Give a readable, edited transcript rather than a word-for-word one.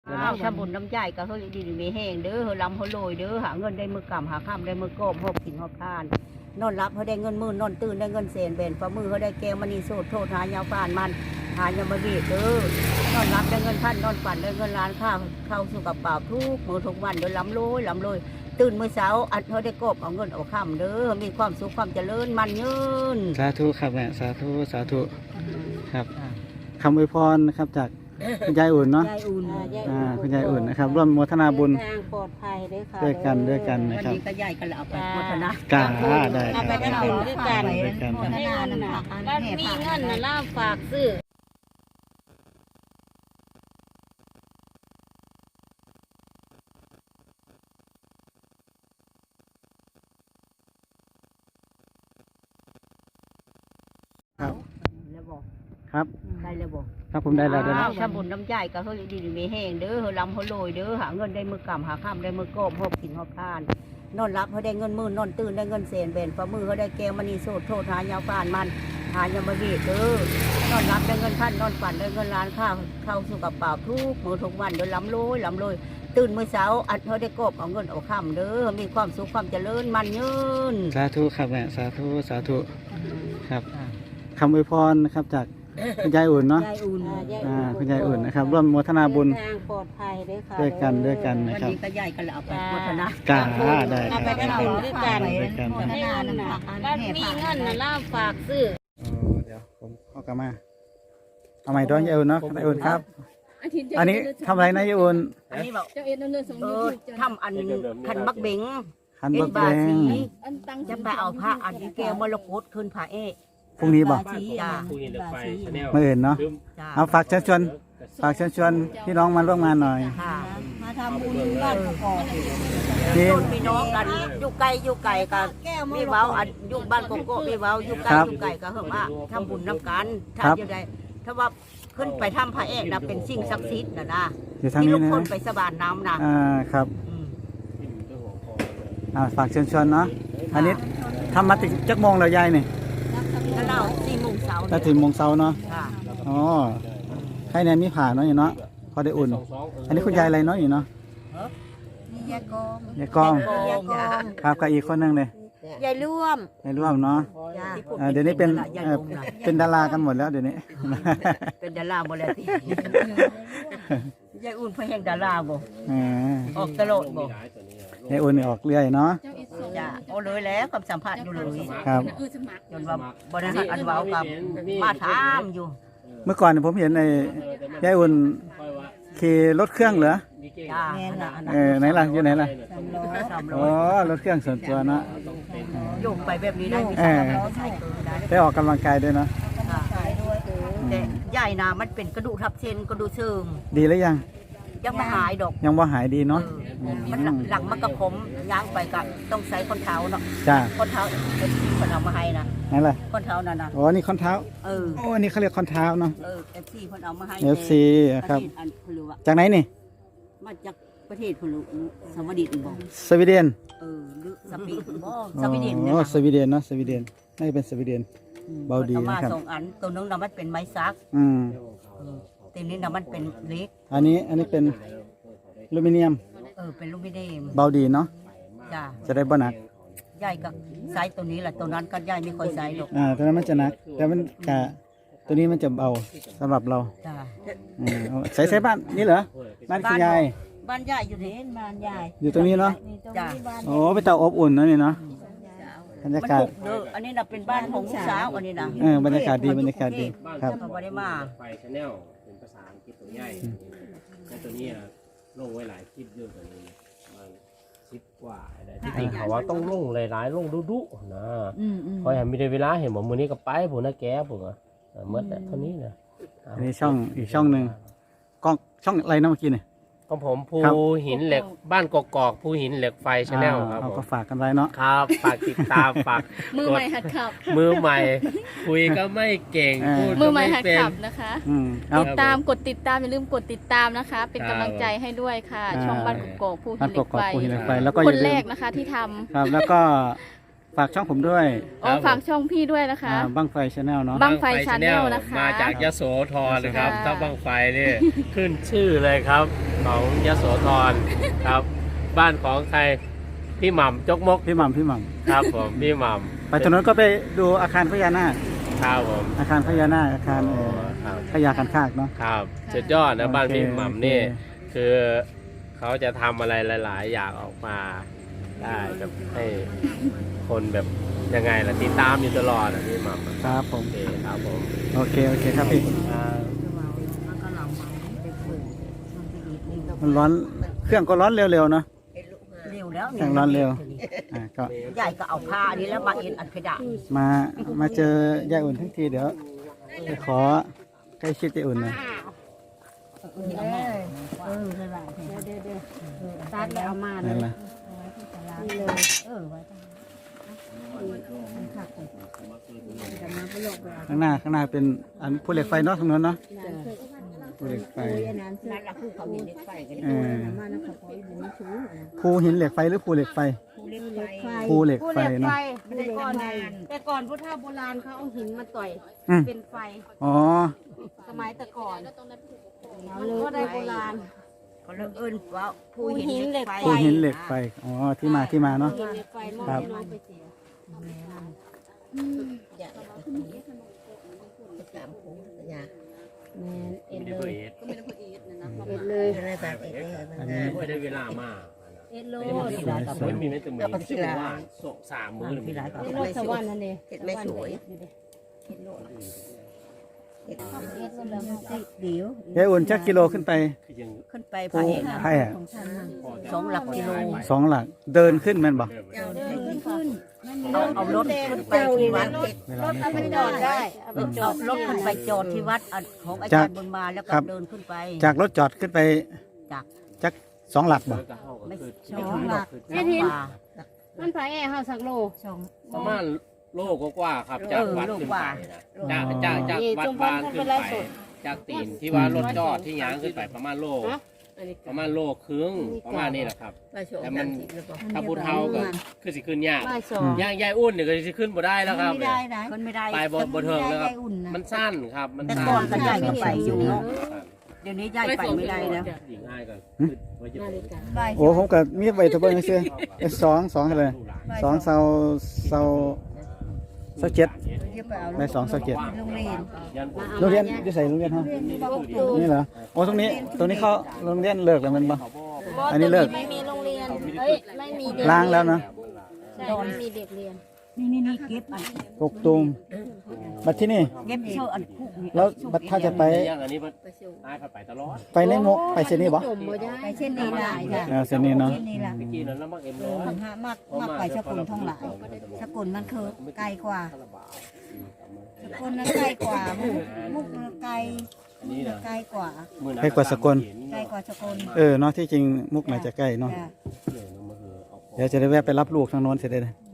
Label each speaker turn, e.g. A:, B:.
A: ถ้าบุญน้ำใจก็เฮ้ยดีมีแห้งเด้อเฮ้ยลำเฮ้ยโรยเด้อหาเงินได้มือกำหาข้ามได้มือโกบหอบกินหอบทานนอนรับเขาได้เงินมื่นนอนตื่นได้เงินเศษเบนฝ่ามือเขาได้แก้วมณีโสดโทษหายาวปานมันหายามาบีเด้อนอนรับได้เงินพันนอนฝันได้เงินล้านข้าวเข้าสู่กระเป๋าทุกมือทุกวันเด้อล้ำลอยตื่นมื้อเช้าอัดเขาได้กบเอาเงินเอาข้ามเด้อมีความสุขความเจริญมันยืน
B: สาธุครับแม่สาธุครับคำอวยพรนะครับจากคุณยายอุ่นเนาะคุณยายอุ่นนะครับร่วมโมทนาบุญ
C: ทางปลอดภัย
B: ด้วยกันนะครับ
A: วันนี้ก็ยายกันเอาไปโมทนาก
B: าได้
C: เอาไปกันด้วยกัน
A: โมทนา
C: แล้วมีเงินน่ะล่าฝากซื้อ
B: ครับ
A: แล้วบอก
B: ครับ
A: ได้แล้วบอก
B: ครับผมได้แล้ว
A: ถ้าบุญน้ำใจก็เฮ้ยดีมีแห้งเด้อเฮ้ยลำเฮ้ยโรยเด้อหาเงินได้มือกำหาข้ามได้มือโกบหอบกินหอบทานนอนรับเขาได้เงินมื่นนอนตื่นได้เงินเศษเบนฝ่ามือเขาได้แก้วมณีโสดโทษหายาวปานมันหายามาบีเด้อนอนรับได้เงินพันนอนฝันได้เงินล้านข้าวเข้าสู่กระเป๋าทุกมือทุกวันเด้อล้ำลอยตื่นมื้อเช้าอัดเขาได้กบเอาเงินเอาข้ามเด้อมีความสุขความเจริญมันยืน
B: สาธุครับแม่สาธุครับคำอวยพรนะครับจากคุณยายอุ่นเนาะคุณยายอุ่นนะครับร่วมโมทนาบุญ
C: ทางปลอดภัย
B: ด้วยกันนะครับ
A: วันนี้ก็ยายกันเอาไปโมทนาก
B: าได้
C: เอาไปกันด้วยกัน
A: โมทนา
C: แล้วมีเงินน่ะล่าฝากซื้อ
B: เดี๋ยวผมเอากลับมาเอาใหม่ด้วยยายอุ่นเนาะยายอุ่นครับอันนี้ทำอะไรนะยายอุ่น
A: อันนี้บอกทำอันขันบักเบง
B: บา
A: สีจะไปเอาผ้าอันนี้แก้วมรกตขึ้นผ้า
B: พรุ่งนี้บอกมาเอื่นเนาะเอาฝากเชิญชวนพี่น้องมาร่วมงานหน่อย
A: มาทำบุญบ้านกอกพี่น้องกันอยู่ไกลกันมีเว้าอันอยู่บ้านกอกมีเว้าอยู่ไกลก็เหิ่มว่าทำบุญน้ำกันถ้าอยู่ใดถ้าว่าขึ้นไปทำพระเอกนะเป็นสิ่งศักดิ์สิทธิ์นะที่ทุกคนไปสบานน้ำ
B: นะครับฝากเชิญชวนเนาะอันนี้ทำมาถึงจักโมงแล้วยายนี่
A: ก็เรา4 โมงเช้า
B: ถ้าถึงโมงเช้าเนาะอ๋อให้แนนมีผ่าเนาะอยู่เนาะพอได้อุ่นอันนี้คุณยายอะไรเนาะอยู่เนาะ
C: ยาย
B: กองครับกับอีกคนนึงเลย
C: ยายร่วม
B: เนาะเดี๋ยวนี้เป็นดารากันหมดแล้วเดี๋ยวนี้
A: เป็นดาราหมดแล้วที่ยายอุ่นเพื่อแห่งดาราบ่ออกตลอดบ่
B: ยายอุ่นออกเรื่อยเนาะ
A: จ้าโอ้เลยแล้วกับสัมภาษณ์อยู่เลย
B: ครับ
A: จนว่าบริษัทอันเว้ากับมาถามอยู่
B: เมื่อก่อนผมเห็นยายอุ่นขี่รถเครื่องเหรอไหนล่ะอยู่ไหนล่ะอ๋อรถเครื่องส่วนตัวเนาะ
A: โยกไปแบบนี้ได้
B: ได้ออกกำลังกายด้วยเนาะ
A: แต่ใหญ่นะมันเป็นกระดูกทับเส้นกระดูกเชิง
B: ดีแล้วยัง
A: ไม่หายดอก
B: ยังว่าหายดีเนาะ
A: มันหลังมันกระผมย่างไปก็ต้องใส่คนเท้าเนาะคนเท้าคนเอามาให้นะ
B: นั่นแหละ
A: คนเท้านั่นนะ
B: อ๋อนี่คนเท้าโอ้อันนี้เขาเรียกคนเท้าเนาะ
A: FC คนเอามาให้
B: FC ครับจากไหนนี่
A: มาจากประเทศพลูสวีเดนบอก
B: สวีเดน
A: หรือสวีเดนสวีเดน
B: อ๋อสวีเดนเนาะสวีเดนน่าจะเป็นสวีเดนเบาดี
A: นะครับมา2 อันตัวนึงน่ะมันเป็นไม้ซักตัวนี้น่ะมันเป็นเล็ก
B: อันนี้เป็นอลูมิเนียม
A: เป็นอลูมิเนียม
B: เบาดีเนาะ
A: จ้า
B: จะได้บ่หนัก
A: ใหญ่กับไซส์ตัวนี้แหละตัวนั้นก็ใหญ่ไม่ค่อยไซส์หรอก
B: ตัวนั้นมันจะหนักแต่มันกะตัวนี้มันจะเบาสำหรับเรา
A: จ้า
B: ใส่บ้านนี่เหรอบ้านคุณยาย
A: บ้านใหญ่อยู่นี่บ้านใหญ่
B: อยู่ตรงนี้เนาะจ้าโอ้เป็นเตาอบอุ่นนะนี่เนาะบรรยากาศ
A: อันนี้น่ะเป็นบ้านของสาวอันนี้นะ
B: บรรยากาศดีครับ
A: เขาไม่ได้มา
D: ไฟชาแนลเป็นภาษาอังกฤษตัวใหญ่ในตัวนี้ลงไว้หลายคลิปเยอะกว่านี้มัน10 กว่าได้ที่จริงเขาว่าต้องลงหลายๆลงดุๆนะเพราะไม่ได้เวลาเห็นบอกมือนี้ก็ไปผมนะแกผมเมื่อเท่านี้นะ
B: อันนี้ช่องอีกช่องหนึ่งกล้องช่องอะไรนะเมื่อกี้เนี่ย
D: ของผมภูหินเหล็กบ้านกอกภูหินเหล็กไฟชาแนลครับ
B: ก็ฝากกันไว้เนาะ
D: ครับฝากติดตามฝาก
C: มือใหม่หัดขับ
D: มือใหม่คุยก็ไม่เก่งพูด
C: มือใหม่หัดขับนะคะติดตามกดติดตามอย่าลืมกดติดตามนะคะเป็นกำลังใจให้ด้วยค่ะช่องบ้านกอกภูหินเหล็กไฟ
B: แล้วก็
C: คนแรกนะคะที่ทำ
B: ครับแล้วก็ฝากช่องผมด้วย
C: ฝากช่องพี่ด้วยนะคะ
B: บั้งไฟชาแนลเนาะ
C: บั้งไฟชาแนลนะคะ
D: มาจากยโสธรเลยครับถ้าบั้งไฟนี่ขึ้นชื่อเลยครับของยโสธรครับ บ้านของใครพี่หม่ำจกมก
B: พี่หม่ำ
D: ครับผมพี่หม่
B: ไปตรงนั้นก็ไปดูอาคารพญานาค
D: ำครับผม
B: อาคารพญานาคอาคาร
D: ครับ
B: พญาคันคากเนาะ
D: ครับสุดยอดนะบ้านพี่หม่ำนี่
B: โอเค
D: คือเขาจะทำอะไรหลาย ๆ อย่างออกมาได้แบบให้คนแบบยังไงล่ะติดตามอยู่ตลอดนะพี่หม่ำ
B: ครับผม
D: โอเคครับผม
B: โอเคครับพี่ มันร้อนเครื่องก็ร้อนเร็วๆเนาะ
A: เร็วแล้ว
B: เครื่องร้อนเร็วก็
A: ใหญ่ก็เอาผ้านี้แล้วมาเอ็นอัดเพดาน
B: มาเจอยายอุ่นทั้งทีเดี๋ยวไปขอใกล้ชิดยายอุ่นหน่อย
A: ตัดแล้วเอามาเล
B: นั่
A: ย
B: นแหละ
A: นี่เลย
B: ข้างหน้าเป็นอันภูเหล็กไฟเนาะทางนั้นเนาะภูเหล็กไฟ
A: นั่นแหละคือเขาเห็นเล็กไฟกัน
B: ภูหินเหล็กไฟหรือภูเหล็กไฟ ภูเหล็กไฟเนาะ
E: แต่ก่อนพุทธโบราณเขาเอาหินมาต่อย
B: อืม
E: เป็นไฟ
B: อ๋อ
E: สมัยแต่ก่อนก็ได้โบราณ
A: เขาเลิกเอิ้นว่าผู้หินเหล็กไฟ
B: ภูหินเหล็กไฟอ๋อที่มาเนาะ
E: หินเหล็กไฟมอบ
B: ครับ
E: ให้น้องไปเสีย แมนเอ็ด
D: ไม่
E: เล
D: ได้
E: ย
D: เพื่อเอส
E: เอ็ดเลย
B: อันนี้
D: ไม่ได้เวลามาก
E: เอ็ดโล
D: ไม่มีไม่ถึงมือที่ว่าสามมือ
A: ที่ร้าน
E: เอ็ดโลสวรรค์นั่นเอง
A: เห็ดไม่สวย
E: เอ็ดโลแล้วมันติด
A: เดี๋ยวย
B: ายอุ่นจักกิโลขึ้นไป
D: คือยัง
A: ขึ้นไป
B: ภู
A: ไผ่
B: ไผ่อะ
A: 2 หลักกิโล
B: 2 หลักเดินขึ้นแม่นบ่
A: เอารถขึ้นไปที่วัด
E: รถเอาไปจอดได้เอาไปจอ
A: เอา
E: ด
A: รถขึ้นไปจอดที่วัดของอาจารย์บุญมาแล้วก็เดินขึ้นไป
B: จากรถจอดขึ้นไป
A: จาก
B: จัก2 หลักบ่
A: ไม่
D: คือ
A: ไม่ถึงหลัก
E: แค่ทินมันไฟแอร์เฮาสักโล
D: ประมาณโลกว่าครับจากวัดขึ้นไปนะจากวัดบางขึ้นไปจากตีนที่ว่ารถจอดที่ยางขึ้นไปประมาณโลครึ่งประมาณนี้แหละครับแต่มันถ้าพูดเท่าก็คือสิขึ้นยาก
E: บ่ายสอง
D: ย่างยายอุ่นเนี่ยก็สิขึ้นบ่ได้แล้วครับ
A: ไม่ได้นะขึ้นไม่ได้
D: ไปบ่เทิงแล้วครับมันสั้นครับมัน
A: แต่
D: สั้น
A: ก่อนก็ใหญ่ก็ไปอยู่เนาะเดี๋ยวนี้ย้ายไปไม่ได้แล้ว
D: หญิงง่ายก็ขึ้นไว้จะเป็น
B: โอ้ผมก็มีไว้ทะเบิ่งซื่อๆ2เท่าไหร่2เซาเจ็ดได้2เซาเจ็ด
A: โรงเรียน
B: โรงเรียนอยู่ไสโรงเรียนเฮานี่เหรอโอ้ตรงนี้เขาโรงเรียนเลิกแล้วแมันบ่ อันนี้เลิก
E: ไม่มีโรงเรียนเอ้ยไม่มีเด็ก
B: ล้างแล้วเนาะ
E: ใช่ไม่มีเด็กเรียน
A: นี่เก็บอัน
B: กกตูมบัดที่นี่
A: เก็บเชื่ออันคุกนี่
B: แล้วบัดถ้าจะไป
D: ย่างอันนี้มันง่ายไปตลอด
B: ไปในมุกไปเส้นนี้บ่
E: จมบ่ได้
A: ไปเช่นนี้ละ
B: เส้นนี้เนาะ
A: เช่นนี้ละ
D: เมื่อกี้นั้นแล้วมักเอ็มร้อย
A: มากไปสกุลท่องหลายสกุลมันคือไกลกว่าสกุลนั้นไกลกว่ามุกไกล
D: อันนี้นะ
A: ไกลกว่า
B: ใกล้กว่าสกล
A: ไกลกว่าสกุล
B: เนาะที่จริงมุกน่าจะใกล้เนาะเดี๋ยวจะได้แวะไปรับลูกทางโน้นเสร็จเลยนะ
A: จ